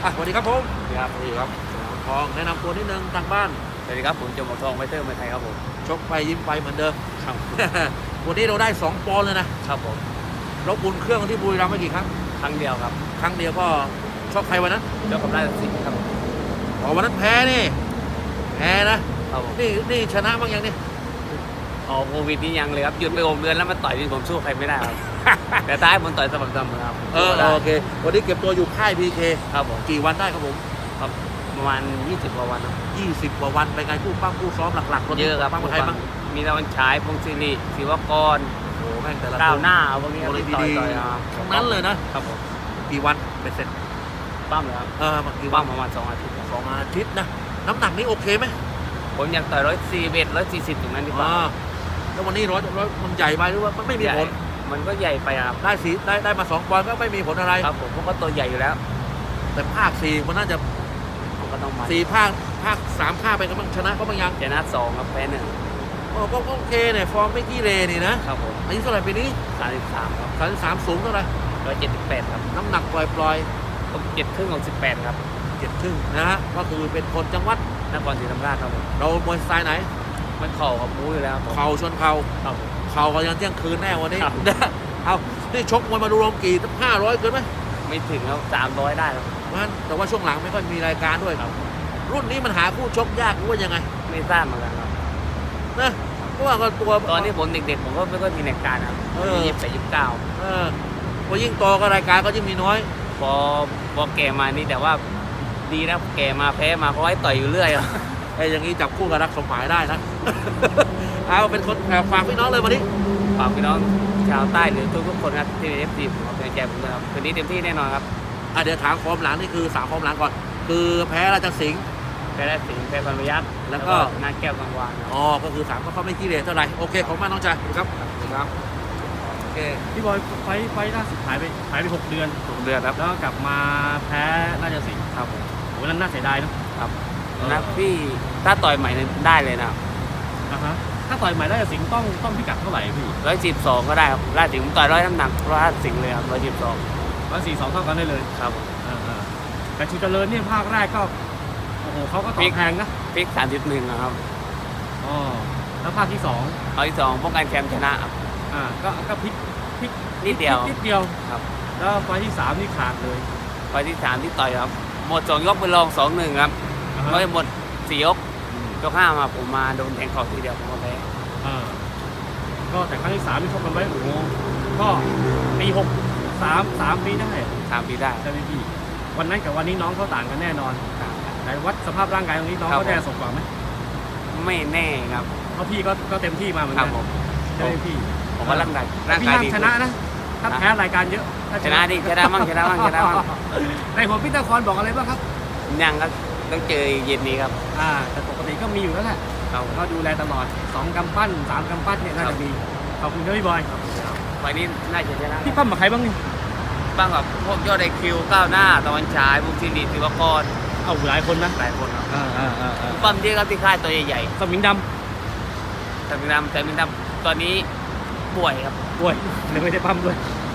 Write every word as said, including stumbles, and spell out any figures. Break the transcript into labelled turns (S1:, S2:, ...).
S1: อ่ะสวัสดีครับผม
S2: สวัสดีครับ
S1: สวัสดีครับสมรทองแนะนำตัวนิดนึงทางบ้าน
S2: สวัสดีครับผมจมทองไวเตอร์เมืองไทยครับผม
S1: ชกไปยิ้มไปเหมือนเดิม
S2: ครับ
S1: วันนี้เราได้สองปอนด์เลยนะครับ
S2: ผม
S1: เราบุญเครื่องที่บุรีรัมย์ไม่กี่ครั้ง
S2: ครั้งเดียวครับ
S1: ครั้งเดียวก็ชกใครวันนั้น
S2: เจ้ากับราชสิงห์ครับ
S1: อ๋อวันนั้นแพ้นี่แพ้นะครับ
S2: ผม
S1: นี่นี่ชนะบ้างยังนี่
S2: อ๋อโควิดนี่ยังเลยครับหยุดไปหกเดือนแล้วมาต่อยที่ผมสู้ใครไม่ได้ครับ แต่ท้ายผมต่อยสม่ำเสมอครับ
S1: เออโอเควันนี้เก็บตัวอยู่ค่ายพีเค
S2: ครับผม
S1: กี่วันได้ครับผม
S2: ครับประมาณยี่สิบกว่าวันครับ
S1: ยี่สิบกว่าวันไปไงผู้ปั้มผู้ซ้อมหลักๆ
S2: เยอะครับ
S1: ปั้มใครบ้าง
S2: มีตะวันฉายพงศิริศิวกร
S1: โอ้แม่งแต่ละ
S2: ก้าวหน้าพวกนี้
S1: โอ้
S2: ต่อยต่อย
S1: ทั้งนั้นเลยนะครับ
S2: ผม
S1: กี่วันเป็นเสร็จ
S2: ปั้มเลยครับ
S1: เออกี่วั
S2: ปั้
S1: น
S2: มประมาณสองอาทิตย์
S1: สองอาทิตย์นะน้ำหนักนี้โอเคไหม
S2: ผมอยากต่อยร้อยสี่เอ็ดร้อยสี่สิบถึงนั้นดีกว่า
S1: แล้ววันนี้ร้อยร้อยมันใหญ่ไปหรือว่ามันไม่มีผล
S2: มันก็ใหญ่ไปครับ
S1: ได้สีได้ได้มาสองปอนด์ก็ไม่มีผลอะไร
S2: ครับผมเพราะก็ตัวใหญ่อยู่แล้ว
S1: แต่ภาคสี่มันน่าจะ
S2: ก็ต้องมา
S1: สี่ภาคภาคสามภาคไปก็ต้องชนะก็บางอย่าง
S2: ชนะสองครับแพ้หนึ่ง
S1: โอ้ก็โอเคเนี่ยฟอร์มไม่ขี้เลนี่นะครับ
S2: ผม
S1: อายุเท่าไหร่ปีนี้
S2: สามสิบสามครับ
S1: สามสิบสามสูงเท่าไหร่
S2: ร้อยเจ็ดสิบแปดครับ
S1: น้ำหนักปล่อยปล่อย
S2: ผมเจ็ดครึ่งของสิบแปดครับ
S1: เจ็ดครึ่งนะฮะก็คือเป็นคนจังหวัด
S2: นครศรีธรรมราชครับผม
S1: เรามวยสไตล์ไหน
S2: มันเข่ากับมูอยู่แล้วครับ
S1: เข่าชนเข่า
S2: ครับ
S1: เข่าก็ยังเที่ยงคืนแน่วันนี้เอานี่ชกมวยมาดูรวมกี่ห้าร้อยเกินไหม
S2: ไม่ถึงครับสามร้อยได้ครับ
S1: มันแต่ว่าช่วงหลังไม่ค่อยมีรายการด้วย
S2: ครับ
S1: รุ่นนี้มันหาคู่ชกยากหรือว่ายังไง
S2: ไม่ทราบเหมือนกันครับ
S1: นะเพราะว่าก็ตัว
S2: ตอนที่ผมเด็กๆผมก็ไม่ค่อยมีรายการครับยี่สิบแปดยี่สิบเก้า
S1: เออพอยิ่งโตก็รายการก็ยิ่งมีน้อย
S2: พอพอแก่มานี่แต่ว่าดีนะแก่มาแพ้มาเพราะให้ต่อยอยู่เรื่อย
S1: ไอ้อย่างนี้จับคู่กับรักสมหมายได้นะ เอาเป็นคนฝากพี่น้องเลยวันนี้
S2: ฝากพี่น้องชาวใต้หรือทุกๆคนครับที่เป็นเอฟซีผมเป็นใจผมนะครับคืนนี้เต็มที่แน่นอนครับ
S1: อ่ะเดี๋ยวถามฟอร์มหลังนี่คือสามฟอร์มหลังก่อนคือแพ้ราชสิงห์
S2: แพ้ราชสิงห์แพ้พันพยัคฆ์
S1: แล้วก็
S2: นาแก้วกังวาน
S1: อ๋อก็คือสามก็เขาไม่ขี้เหร่เท่าไหร่โอเคของมาน้องชายครับครับโอเค
S3: พี่บอยไฟไฟล่าสุดหายไปหายไปหกเดือน
S2: หกเดือนครับ
S3: แล้วกลับมาแพ้ราชสิงห์
S2: ครับผม
S3: โหนั้นน่าเสียดายนะครับ
S2: นะพี่ถ้าต่อยใหม่ได้เลยนะ
S3: อ่าฮะถ้าต่อยใหม่ราชสิงห์ต้องต้องพิกัดเท่าไหร่พี่
S2: ร้อยสิบสองก็ได้ครับราชสิงห์ต่อยร้อยน้ำหนักราชสิงห์เลยครับร้อยสิบสอง
S3: ร้อยสี่สองเท่ากันได้เลย
S2: ครับ
S3: อ่าแต่ชูเจริญเนี่ยภาคแรกก็โอ้โหเขาก็ต่อแพงนะ
S2: พลิกสามสิบหนึ่งนะครับ
S3: อ๋อแล้วภาคที่สอง
S2: ภาคที่สองป้องกันแชมป์ชนะครับ
S3: อ่าก็ก็พลิกพลิก
S2: นิดเดียว
S3: นิดเดียว
S2: ครับ
S3: แล้วไฟที่สามนี่ขาดเลย
S2: ไฟที่สามที่ต่อยครับหมดสองยกไปลองสองหนึ่งครับไม่หมดสี่ยกยกห้ามาผมมาโดนแทงเข่าทีเดียวผมก็แพ้
S3: อ่าก็แต่ครั้งที่สามที่ชกกันไว้โอ้โหก็ปีหกสามสามปีได้
S2: สามปีได้
S3: ใช่ไหมพี่วันนั้นกับวันนี้น้องเขาต่างกันแน่นอนแต่วัดสภาพร่างกายตรงนี้น้องเขาได้สมกว่าไหม
S2: ไม่แน่ครับ
S3: เพราะพี่ก็ก็เต็มที่มาเหมือนกันใช่ไหมพี่
S2: ผมว่าร่างกาย
S3: ร่างกายดีชนะนะถ้าแพ้รายการเยอะ
S2: ชนะดิชนะมั่งชนะมั่งชนะมั่ง
S3: ในหัวพี่ตะครบอกอะไรบ้างครับ
S2: ยังครับต้องเจอเย็นนี้ครับ
S3: อ่าแต่ปกติก็มีอยู่แล้วแหละก็ดูแลตลอดสองกำปั้นสามกำปั้นเนี่ยน่าจะมีขอบคุณครับพี่บอย
S2: วันนี้น่าจะชนะ
S3: พี่ปั้มกับใครบ้างนี่
S2: ปั้มกับพวกยอดไอคิวก้าวหน้าตะวันฉายพวกซิริศิวกร
S3: เอาหลายคนนะ
S2: หลายคนครับ
S3: อ่าอ่าอ่า
S2: ปั้มที่ครับที่ค่ายตัวใหญ่
S3: ๆสมิงดำ
S2: สมิงดำสมิงดำตอนนี้ป่วยครับ
S3: ป่วยเลยไม่ได้ปั้มด้วย